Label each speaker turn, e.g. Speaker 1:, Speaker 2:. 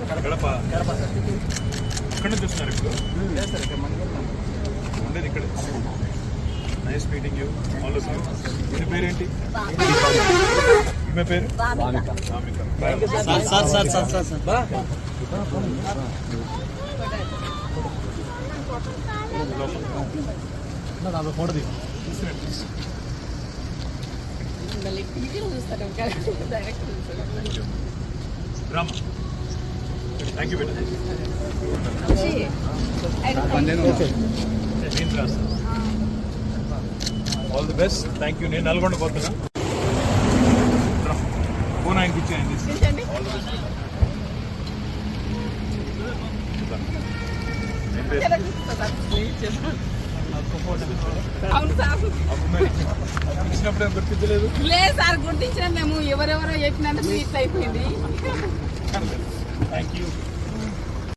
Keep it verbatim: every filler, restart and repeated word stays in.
Speaker 1: గడప ఎక్కడ నుంచి వస్తున్నారు ఇప్పుడు? ఉండేది ఇక్కడ. Nice meeting you all of you. మీ పేరేంటి? మీ పేరు? ఫోటో రామా థ్యాంక్ యూ బేటా. నేను రాస్తాను. All the best. Thank you. నేను నల్గొండ పోతున్నా. ఫోన్ ఆయనకి ఇచ్చేయండి. All the best. ఇచ్చినప్పుడు ఏం గుర్తించలేదు?
Speaker 2: లేదు సార్, గుర్తించిన మేము ఎవరెవరో చెప్పినందుకు ఇట్లా అయిపోయింది.
Speaker 1: Thank you.